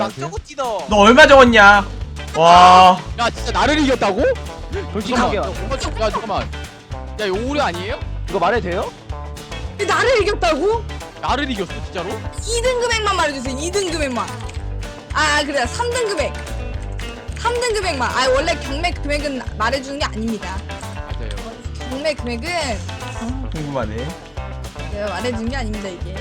저거 뛰어. 너 얼마 적었냐? 와. 야 진짜 나를 이겼다고? 솔직하게 야 잠깐만. 야 이거 오류 아니에요? 이거 말해도 돼요? 나를 이겼다고? 나를 이겼어 진짜로? 2등 금액만 말해주세요. 2등 금액만. 아 그래 3등 금액. 3등 금액만. 아 원래 경매 금액은 말해주는 게 아닙니다. 맞아요. 경매 금액은 궁금하네. 내가 말해주는 게 아닙니다 이게.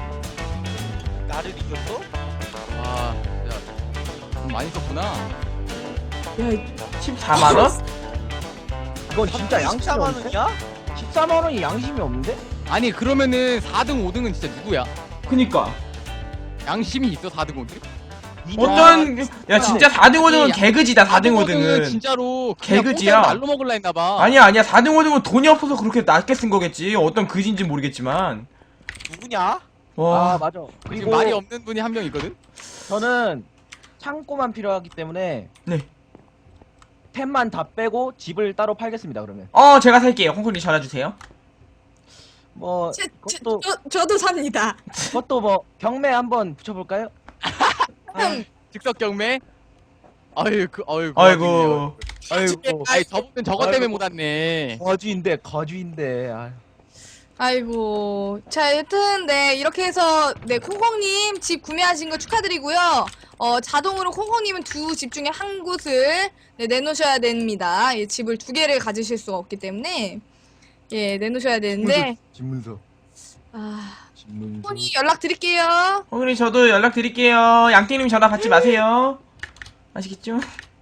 나를 이겼어? 와 진짜 돈 많이 썼구나. 야 14만 원? 이건 진짜 양심이 14만 없는데? 원이야? 14만 원이 양심이 없는데? 아니 그러면은 4등 5등은 진짜 누구야? 그니까. 양심이 있어 4등 5등? 어떤 야 진짜 4등 5등은 개그지다. 4등 5등은 진짜로 개그지야. 그냥 날로 먹을라 했나봐. 아니야 4등 5등은 돈이 없어서 그렇게 낮게 쓴 거겠지. 어떤 그지인지 모르겠지만. 누구냐? 와. 아 맞아. 지금 그리고 말이 없는 분이 한 명 있거든? 저는 창고만 필요하기 때문에 네. 템만 다 빼고 집을 따로 팔겠습니다. 그러면 제가 살게요. 콩콩님 전화 주세요. 뭐 그것도 저도 삽니다. 그것도 뭐 경매 한번 붙여볼까요? 즉석 경매? 아이고 아이고. 아이고 아이 저분은 저것 때문에 아이고. 못 왔네. 거주인데 아. 아이고 자 여튼 네 이렇게 해서 네 콩콩님 집 구매하신 거 축하드리고요. 자동으로 콩콩님은 두 집 중에 한 곳을 네, 내놓으셔야 됩니다. 예, 집을 두 개를 가지실 수가 없기 때문에 예 내놓으셔야 되는데 집문서 아 집문서 콩콩이 연락 드릴게요. 콩콩님 저도 연락 드릴게요. 양띵님 전화 받지 마세요. 아시겠죠?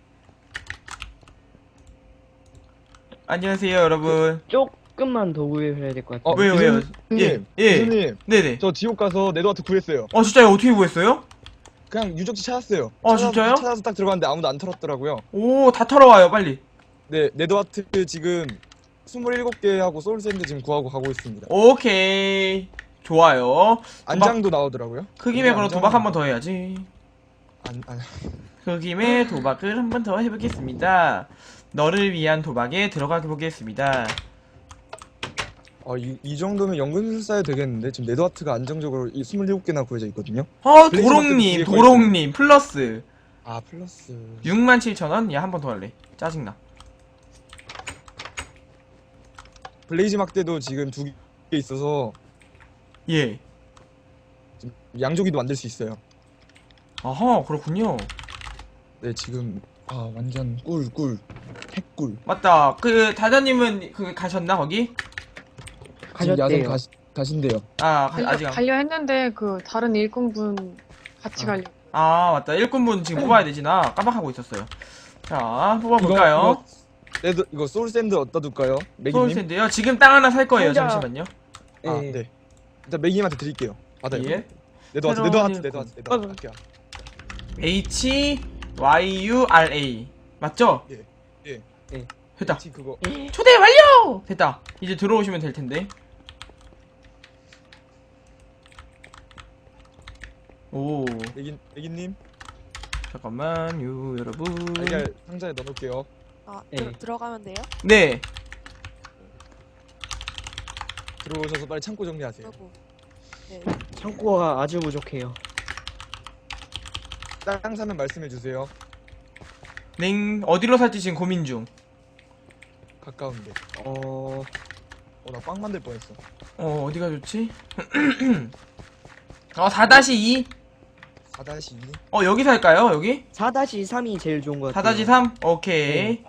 안녕하세요 여러분. 조금만 더 구해야 될 것 같아요. 왜요? 교수님, 예. 교수님, 네네. 저 지옥 가서 네드와트 구했어요. 진짜요? 어떻게 구했어요? 그냥 유적지 찾았어요. 진짜요? 찾아서 딱 들어갔는데 아무도 안 털었더라고요. 오, 다 털어와요 빨리. 네, 네드와트 지금 27개 하고 소울샌드 지금 구하고 가고 있습니다. 오케이. 좋아요. 안장도 나오더라고요. 그 김에 그럼 안장. 도박 한 번 더 해야지. 안. 그 김에 도박을 한 번 더 해보겠습니다. 너를 위한 도박에 들어가 보겠습니다. 이 정도면 연금술사야 되겠는데 지금 네드와트가 안정적으로 이 27개나 구해져 있거든요. 도롱님, 도롱님 플러스 아, 플러스 67,000원? 야, 한 번 더 할래. 짜증나. 블레이즈 막대도 지금 2개 있어서 예. 지금 양조기도 만들 수 있어요. 아하, 그렇군요. 네, 지금 완전 꿀 핵꿀. 맞다. 다자님은 가셨나 거기? 지금 야생 가셨대요. 가신대요. 아직 안. 가려 했는데 그 다른 일꾼분 같이 가려. 맞다. 일꾼분 지금 뽑아야 되지. 나 깜빡하고 있었어요. 자, 뽑아볼까요? 이거 소울샌드 어디다 둘까요? 맥이님? 소울샌드요? 지금 땅 하나 살 거예요. 혼자- 잠시만요. 네. 일단 맥이님한테 드릴게요. 받아요. 예. 네드와트 새로운 할게요. HYURA 맞죠? 예. 됐다. 혹시 그거 초대 완료! 됐다. 이제 들어오시면 될 텐데. 오, 맥이님 잠깐만요, 여러분. 달걀 상자에 넣어놓을게요. 네. 들어가면 돼요? 네. 들어오셔서 빨리 창고 정리하세요. 하고. 네. 창고가 아주 부족해요. 땅 사면 말씀해 주세요. 냉 어디로 살지 지금 고민 중. 가까운데. 어... 나 빵 만들 뻔했어. 어디가 좋지? 4-2? 4-2. 여기 살까요? 여기? 4-3이 제일 좋은 것 같아요. 4-3? 오케이.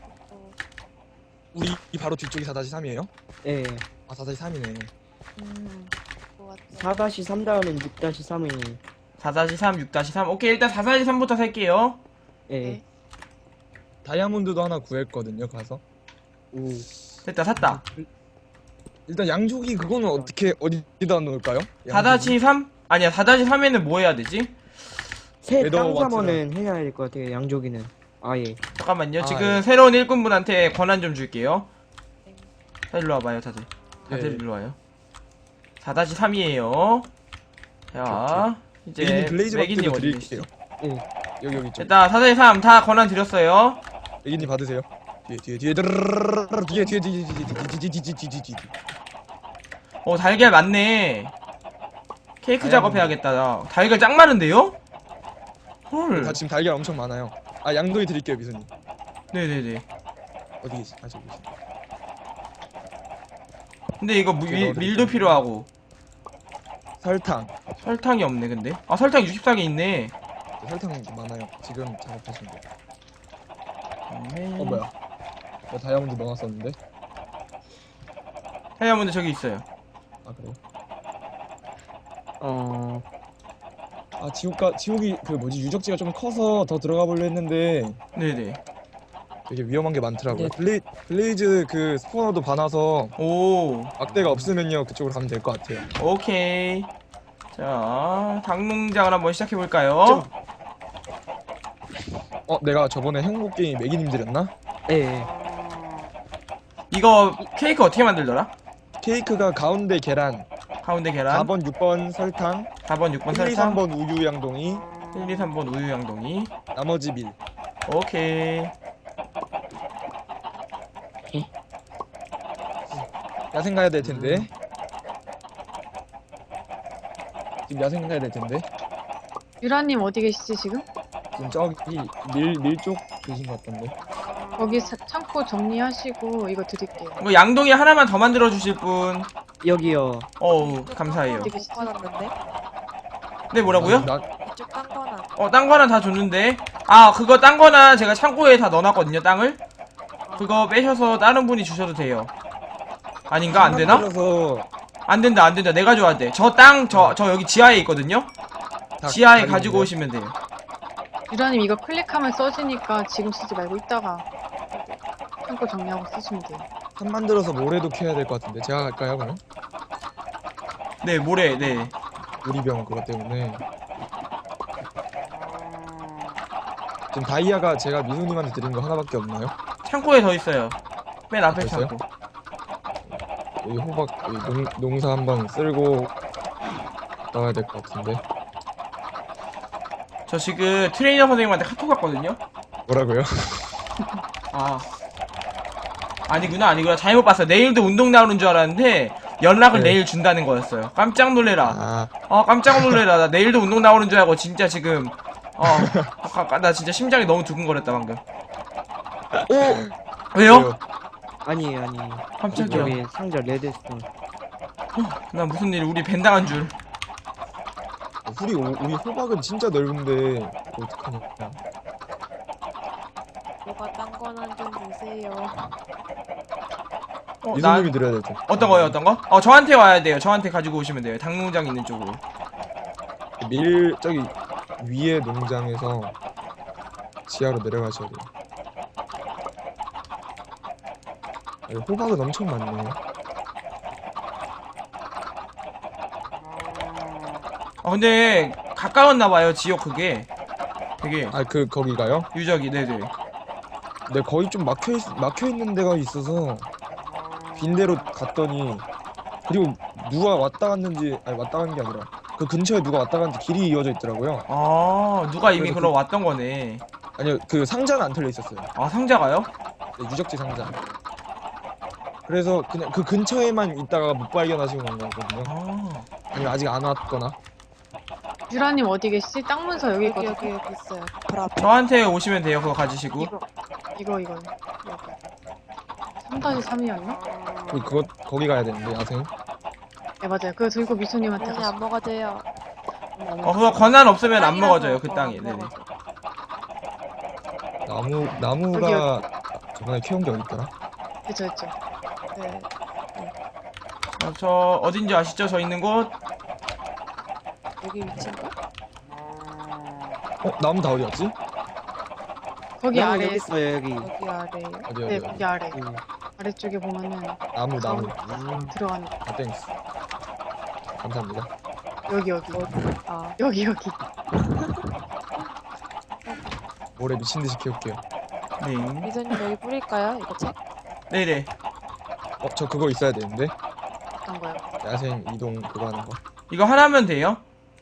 우리 이 바로 뒤쪽이 4-3이에요? 예. 4-3이네. 그거 같아요. 4-3 다음엔 6-3이 4-3, 6-3. 오케이, 일단 4-3부터 살게요. 예. 네. 다이아몬드도 하나 구했거든요. 가서. 오. 됐다, 샀다. 일단 양조기 그거는 어디다 놓을까요? 4-3? 아니야, 4-3에는 뭐 해야 되지? 새 웨더 땅 와트랑. 사면은 해야 될 것 같아요. 양조기는. 아예. 잠깐만요. 지금 예. 새로운 일꾼분한테 권한 좀 줄게요. 자, 일로 와봐요, 다들. 다들 예. 일로 와요. 4-3이에요. 자, 이제 맥이님 블레이즈 맥이님 박대도 어디 드릴게요. 계시지? 예. 여기 좀. 됐다, 4-3 다 권한 드렸어요. 맥이님 받으세요. 뒤에 뒤에 달걀 많네. 케이크 다이아몬드. 작업해야겠다. 달걀 짱 많은데요? 헐. 다 지금 달걀 엄청 많아요. 아 양동이 드릴게요 미소님. 네네네. 어디 계시? 아 저기 계시. 근데 이거 밀도 필요하고 설탕. 설탕이 없네 근데. 아 설탕 64개 있네. 설탕 많아요. 지금 작업하시면 돼요. 네. 뭐야? 나 다이아몬드 넣어놨었는데. 다이아몬드 저기 있어요. 아 그래요? 어, 지옥이 그 뭐지 유적지가 좀 커서 더 들어가 보려 했는데 네네. 되게 위험한 게 많더라고요. 블레이즈 그 스포너도 많아서 오. 막대가 없으면요 그쪽으로 가면 될 것 같아요. 오케이. 자 닭농장을 한번 시작해 볼까요? 내가 저번에 행복 게임 매기님 드렸나? 예. 이거 케이크 어떻게 만들더라? 케이크가 가운데 계란, 가운데 계란, 4번, 6번 설탕, 4번, 6번 1, 2, 설탕, 3번 우유 양동이, 1, 2, 3번 우유 양동이. 나머지 밀. 오케이. 야생 가야 될 텐데. 지금 야생 가야 될 텐데. 유라님 어디 계시지 지금? 지금 저기 밀 쪽 계신 것 같던데. 거기 창고 정리하시고 이거 드릴게요. 뭐 양동이 하나만 더 만들어 주실 분. 여기요. 어우 감사해요. 어디 계시지? 받았는데? 네 뭐라고요? 이쪽 딴 거나. 딴 거는 다 줬는데. 아 그거 딴 거나 제가 창고에 다 넣어놨거든요 땅을. 그거 빼셔서 다른 분이 주셔도 돼요. 아닌가? 안 되나? 그래서 안 된다. 내가 줘야 돼. 저 땅 저 여기 지하에 있거든요. 지하에 가지고 오시면 돼요. 유라님 이거 클릭하면 써지니까 지금 쓰지 말고 이따가 창고 정리하고 쓰시면 돼요. 판 만들어서 모래도 캐야 될 것 같은데 제가 갈까요 그럼? 네 모래. 네. 우리병 그것 때문에. 지금 다이아가 제가 미소님한테 드린 거 하나밖에 없나요? 창고에 더 있어요. 맨 앞에 더 있어요? 창고. 여기 호박 여기 농사 한번 쓸고 나와야 될 것 같은데. 저 지금 트레이너 선생님한테 카톡 왔거든요. 뭐라고요? 아니구나. 잘못 봤어요. 내일도 운동 나오는 줄 알았는데 연락을 네. 내일 준다는 거였어요. 깜짝 놀래라. 아 깜짝 놀래라. 나 내일도 운동 나오는 줄 알고 진짜 지금 나 진짜 심장이 너무 두근거렸다 방금. 왜요? 아니에요. 깜짝이야. 여기 상자 레드스톤. 나 무슨 일 우리 벤당한 줄. 우리 호박은 진짜 넓은데 어떡하냐. 뭐가 딴 거나 좀 주세요. 미소님이 드려야 될 텐데. 어떤 거요? 저한테 와야 돼요. 저한테 가지고 오시면 돼요. 닭농장 있는 쪽으로. 밀 저기 위에 농장에서 지하로 내려가셔야 돼요. 여기 호박은 엄청 많네. 근데 가까웠나봐요. 지역 그게 되게 거기가요? 유적이. 네네. 근데 거의 좀 막혀 있는 데가 있어서 빈대로 갔더니 그리고 누가 왔다 갔는지 왔다 간 게 아니라 그 근처에 누가 왔다 갔는지 길이 이어져 있더라고요. 누가 이미 그래서 그럼 왔던 거네. 아니요 그 상자는 안 털려 있었어요. 상자가요? 네, 유적지 상자. 그래서 그냥 그 근처에만 있다가 못 발견하시고 간 거거든요. 아니면 아직 안 왔거나. 유라님 어디 계시지? 땅 문서 여기 여기 있거든요. 여기 있어요. 바로 앞에. 저한테 오시면 돼요. 그거 가지시고. 이거 여기 3-3이었나? 거기 가야 되는데 야생. 네 맞아요. 그거 들고 미소님한테 아니 가서 안 먹어도요. 그거 권한 없으면 안 먹어져요. 그 땅이. 안 네네. 먹어져. 나무가 저번에 캐온 게 어딨더라? 그쵸. 네. 저 어딘지 아시죠? 저 있는 곳. 여기 위치인가? 나무 다 어디 갔지? 거기 아래 여기 있어요 여기. 여기 아래에요. 네 거기 아래 음. 아래쪽에 보면은 나무. 들어가는 거. 땡스. 감사합니다. 여기 아 여기 모래 미친듯이 캐올게요. 네. 미선님 여기 뿌릴까요? 이거 책? 네네. 저 그거 있어야 되는데. 어떤 거요? 야생 이동 그거 하는 거. 이거 하나면 돼요?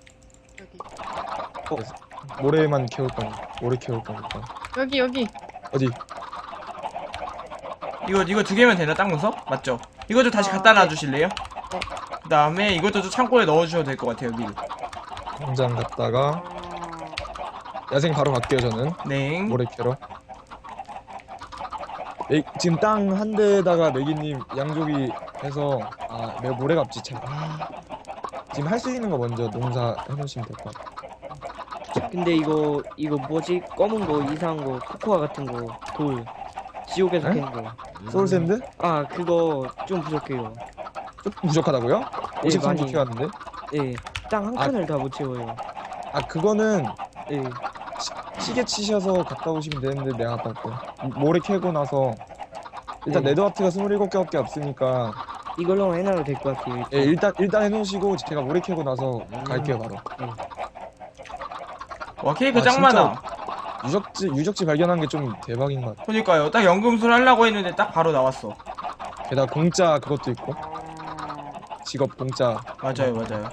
여기 모래만 캐올 거니까. 모래 캐올 거니까. 여기 어디? 이거 2개면 되나? 땅 문서? 맞죠? 이거 좀 다시 갖다 놔주실래요? 네. 그 다음에 이것도 좀 창고에 넣어주셔도 될 것 같아요. 미리. 공장 갔다가 야생 바로 갈게요 저는. 네. 모래 캐러. 지금 땅 한 대에다가 매기님 양조기 해서 모래 갑지 참. 지금 할 수 있는 거 먼저 농사 해놓으시면 될 것 같아요. 근데 이거 뭐지? 검은 거 이상한 거 코코아 같은 거 돌 지옥에서 에? 캐는 거. 소울샌드? 아 그거 좀 부족해요. 좀 부족하다고요? 예, 53개 많이. 키웠는데? 예. 땅 한 아. 칸을 다 못 채워요. 그거는 예. 시계 치셔서 갔다 오시면 되는데 내가 갔다 올게요. 모래 캐고 나서 일단 네. 네드와트가 27개밖에 없으니까 이걸로만 해놔도 될 것 같아요. 예, 일단 해놓으시고 제가 모래 캐고 나서 갈게요 바로. 와 케이크 아, 짱 진짜. 많아. 유적지 발견한 게 좀 대박인 것 같아. 그러니까요. 딱 연금술 하려고 했는데 딱 바로 나왔어. 게다가 공짜 그것도 있고 직업 공짜. 맞아요.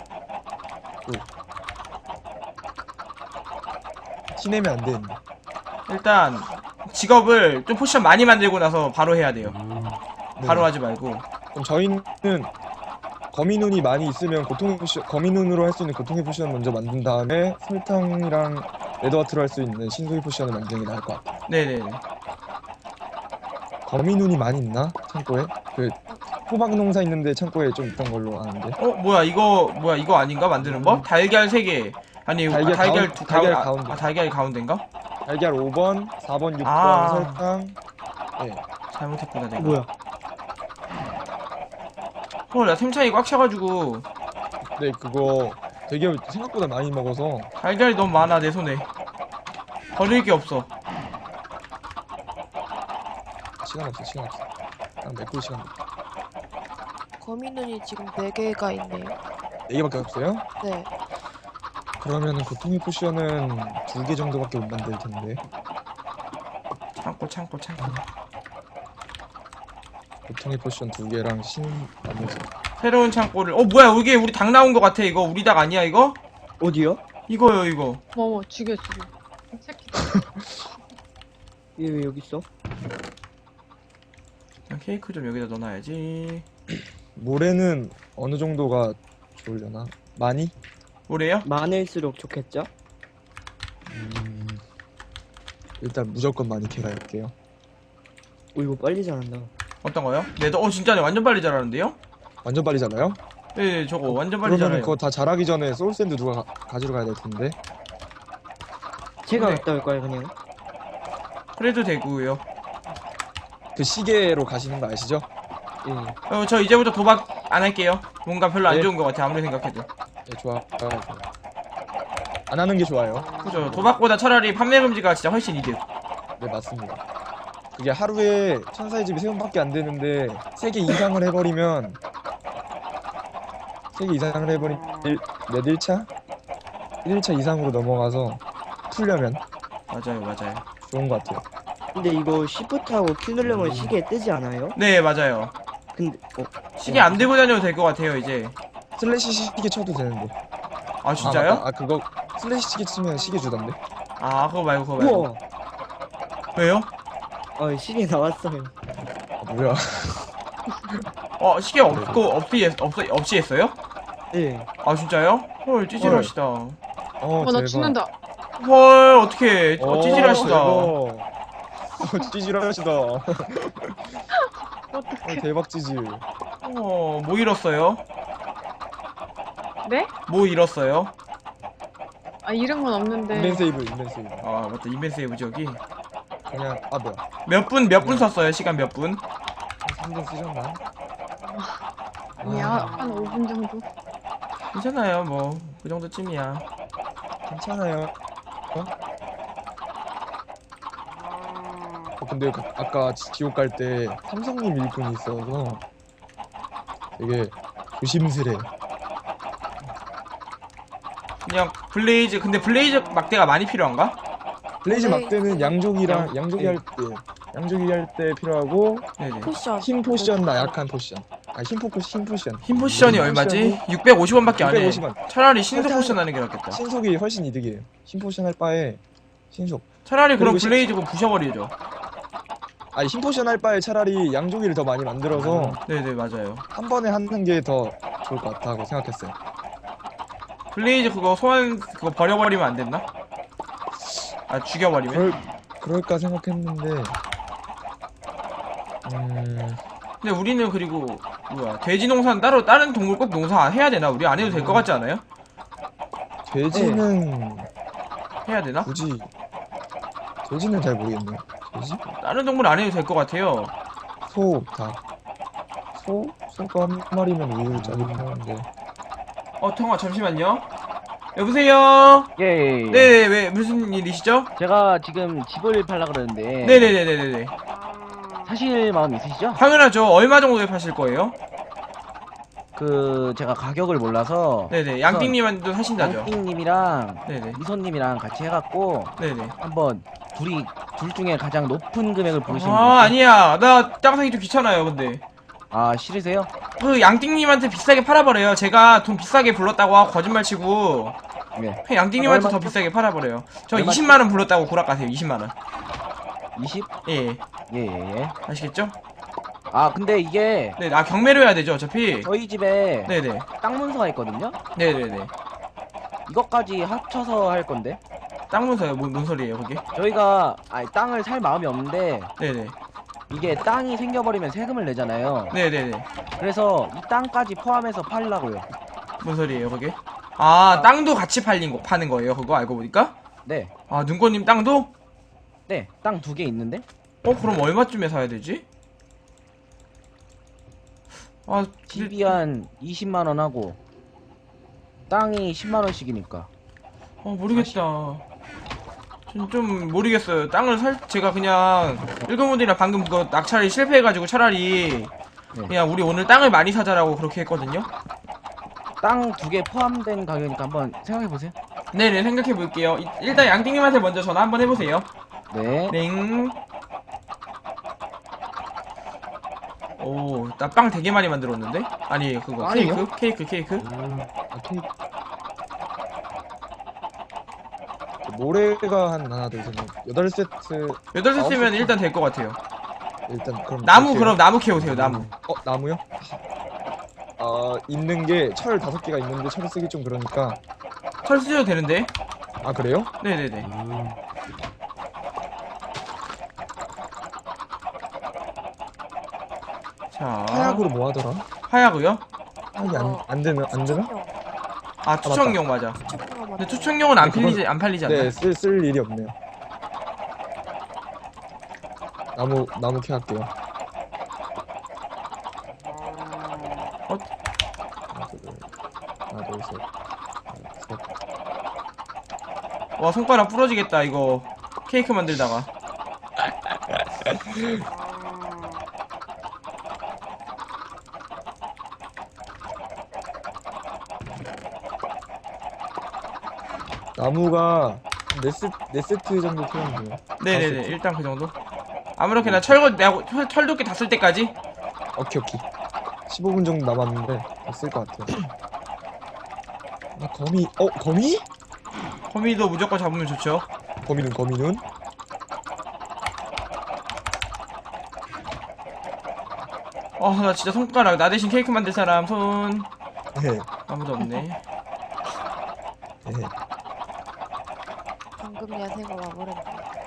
티내면 안 되는데. 일단 직업을 좀 포션 많이 만들고 나서 바로 해야 돼요. 네. 바로 하지 말고. 그럼 저희는 거미눈이 많이 있으면 거미눈으로 할 수 있는 고통의 포션 먼저 만든 다음에 설탕이랑 레드와트로 할 수 있는 신소의 포션을 만드는 게 나을 것 같아요. 네네네. 거미눈이 많이 있나? 창고에? 그 호박 농사 있는데 창고에 좀 있던 걸로 아는데. 뭐야 이거 아닌가 만드는 법? 달걀 3개. 아니 달걀 달걀 달걀 가운데. 달걀 가운데인가? 달걀 5번, 4번, 6번 아. 설탕. 잘못했구나 내가. 뭐야? 나 템차이 꽉 차가지고 네 그거 되게 생각보다 많이 먹어서 달걀이 너무 많아 내 손에. 버릴 게 없어. 시간 없어. 딱 메꿀 시간 없어. 거미눈이 지금 4개가 있네요. 4개밖에 없어요? 네. 그러면은 고통의 포션은 2개 정도밖에 못 만들 텐데. 창고. 고통의 포션 2개랑 신 나머지. 새로운 창고를. 뭐야 이게 우리 닭 나온 거 같아. 이거 우리 닭 아니야 이거? 어디요? 이거요 이거. 죽여. 새끼. 얘 왜 여기 있어? 케이크 좀 여기다 넣어놔야지. 모래는 어느 정도가 좋으려나? 많이? 뭐래요? 많을수록 좋겠죠? 일단 무조건 많이 캐갈게요. 이거 빨리 자란다. 어떤 거요? 네도 진짜네 완전 빨리 자라는데요? 완전 빨리 자라요? 네 저거 완전 빨리 그러면 자라요. 그거 다 자라기 전에 소울샌드 누가 가지러 가야 될 텐데. 제가 네. 갔다 올까요 그냥? 그래도 되고요. 그 시계로 가시는 거 아시죠? 예. 저 이제부터 도박 안 할게요. 뭔가 별로 안 네. 좋은 것 같아 아무리 생각해도. 네, 좋아. 안 하는 게 좋아요. 그죠. 도박보다 차라리 판매 금지가 진짜 훨씬 이득. 네, 맞습니다. 그게 하루에 천사의 집이 3번밖에 안 되는데 3개 이상을 해버리면 3개 이상을 해버리면 몇 1차? 1차 이상으로 넘어가서 풀려면 맞아요. 좋은 것 같아요. 근데 이거 시프트하고 Q 누르면 시계에 뜨지 않아요? 네 맞아요. 근데 시계 안 들고 다녀도 될 것 같아요 이제. 슬래시 시계 쳐도 되는데. 아 진짜요? 맞다. 그거 슬래시 시계 치면 시계 주던데? 그거 말고. 우와! 왜요? 시계 나왔어요. 뭐야. 시계 없이 했어요? 네. 아 진짜요? 헐 찌질하시다. 어, 나 대박. 죽는다. 헐 어떡해. 찌질하시다. 대박. 찌질하시다. 대박 찌질. 뭐 잃었어요? 네? 뭐 잃었어요? 이름은 없는데. 인벤세이브. 아 맞다 인벤세이브 저기. 그냥 뭐야. 몇 분 썼어요? 시간 몇 분? 3분 쓰셨나? 아니야, 한 5분 정도. 괜찮아요 뭐 그 정도쯤이야. 괜찮아요. 근데 아까 지옥 갈 때 삼성님 일꾼이 있어서 되게 조심스레. 그냥 블레이즈. 근데 블레이즈 막대가 많이 필요한가? 블레이즈 블레이즈 막대는 양조기 할 때 필요하고 네네. 포션. 힘 포션나 약한 포션. 힘 포션. 힘 포션이 얼마지? 650원밖에 안 해. 650원. 차라리 신속 일단- 포션 하는 게 낫겠다. 신속이 훨씬 이득이에요. 힘 포션 할 바에 신속. 차라리 그럼 그리고 블레이즈고 부셔버리죠. 힘 포션 할 바에 차라리 양조기를 더 많이 만들어서 네네 맞아요. 한 번에 하는 게 더 좋을 것 같다고 생각했어요. 블레이즈 그거 소환 그거 버려버리면 안 됐나? 아 죽여버리면? 그럴까 생각했는데 근데 우리는 그리고 뭐야 돼지 농사는 따로 다른 동물 꼭 농사 해야 되나? 우리 안 해도 될 것 같지 않아요? 돼지는 해야 되나? 굳이 돼지는 잘 모르겠네요. 돼지? 다른 동물 안 해도 될 것 같아요. 소, 닭. 소가 한 마리면 우유를 짜긴 하는데. 통화 잠시만요. 여보세요? 예. 네, 왜 무슨 일이시죠? 제가 지금 집을 팔라 그러는데 네네네네네. 사실 마음 있으시죠? 당연하죠. 얼마 정도에 파실 거예요? 그 제가 가격을 몰라서 네네. 양띵님한테도 사신다죠? 양띵님이랑 네네. 미소님이랑 같이 해갖고 네네. 한번 둘 중에 가장 높은 금액을 부르시는 아, 분. 아니야. 나 땅 사기 좀 귀찮아요, 근데. 아 싫으세요? 그 양띵님한테 비싸게 팔아버려요. 제가 돈 비싸게 불렀다고 하고 거짓말 치고 네. 그냥 양띵님한테 더 얼마죠? 비싸게 팔아버려요. 저 얼마죠? 20만원 불렀다고 구락가세요. 20만원. 20? 예. 예. 아시겠죠? 아 근데 이게 네, 경매로 해야 되죠, 어차피. 저희 집에 네네. 땅 문서가 있거든요. 네네네. 이것까지 합쳐서 할 건데 땅 문서요? 뭔 소리예요, 그게? 저희가 땅을 살 마음이 없는데 네네. 이게 땅이 생겨버리면 세금을 내잖아요. 네네네. 그래서 이 땅까지 포함해서 팔라고요. 뭔 소리예요, 그게? 아, 땅도 같이 파는 거예요, 그거 알고 보니까? 네. 아, 눈꽃님 땅도? 네. 땅 2개 있는데 그럼 얼마쯤에 사야 되지? 아, 집이 한 20만 원 하고 땅이 10만 원씩이니까. 모르겠다. 좀 모르겠어요. 제가 그냥 일그분들이랑 방금 그거 낙찰이 실패해가지고 차라리 네. 그냥 우리 오늘 땅을 많이 사자라고 그렇게 했거든요. 땅 2개 포함된 가격이니까 한번 생각해 보세요. 네네, 생각해 볼게요. 일단 양띵님한테 먼저 전화 한번 해보세요. 네. 넹. 오, 나 빵 되게 많이 만들었는데? 아니, 그거 빵이요? 케이크. 아, 케이크. 모래가 한 하나, 둘, 셋, 넷, 8세트. 8세트면 일단 될 것 같아요. 일단 그럼 나무, 이렇게- 그럼 나무 캐오세요, 나무. 나무요? 있는 게 철 5개가 있는데 철 쓰기 좀 그러니까. 철 쓰셔도 되는데? 아, 그래요? 네네네. 자, 하약으로 뭐 하더라? 하야고요? 하약이 안 되나? 아, 투척용 맞아. 근데 투척용은 안 팔리지 않나? 네, 쓸 일이 없네요. 나무 캐 할게요. 하나, 둘, 셋. 와, 손가락 부러지겠다 이거. 케이크 만들다가. 나무가 4세트 정도 필요하면 돼요. 네네네, 일단 그 정도. 아무렇게나 철도끼 다 쓸 때까지? 오케이. 15분 정도 남았는데 쓸 것 같아요. 거미? 거미? 거미도 무조건 잡으면 좋죠. 거미는? 나 진짜 손가락, 나 대신 케이크 만들 사람 손. 네. 아무도 없네. 네. 방금 야생가 와버렸네.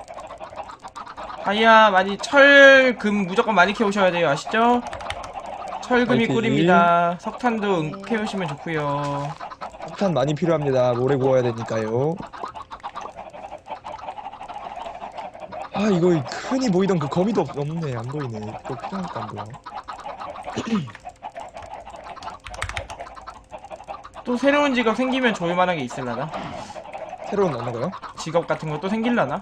다이아 철금 무조건 많이 캐오셔야 돼요. 아시죠? 철금이 화이팅. 꿀입니다. 석탄도 네. 캐오시면 좋고요. 석탄 많이 필요합니다. 모래 구워야 되니까요. 이거 흔히 보이던 그 거미도 없네. 안 보이네. 또 필요하니까 안 보여. 또 새로운 직업 생기면 좋을만한 게 있을라나? 새로운 언어가요? 직업 같은 거 또 생길라나?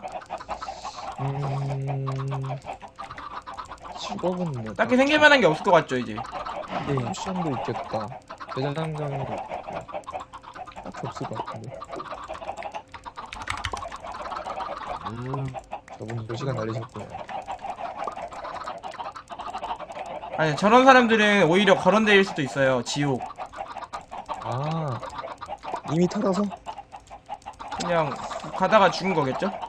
직업은 뭐 딱히 생길만한 게 없을 것 같죠 이제. 쿠션도 있겠다. 대장장도 있고. 딱히 없을 것 같은데. 저분 몇 시간 날리셨고요. 아니, 저런 사람들은 오히려 거론될 수도 있어요. 지옥. 이미 털어서? 그냥 가다가 죽은 거겠죠?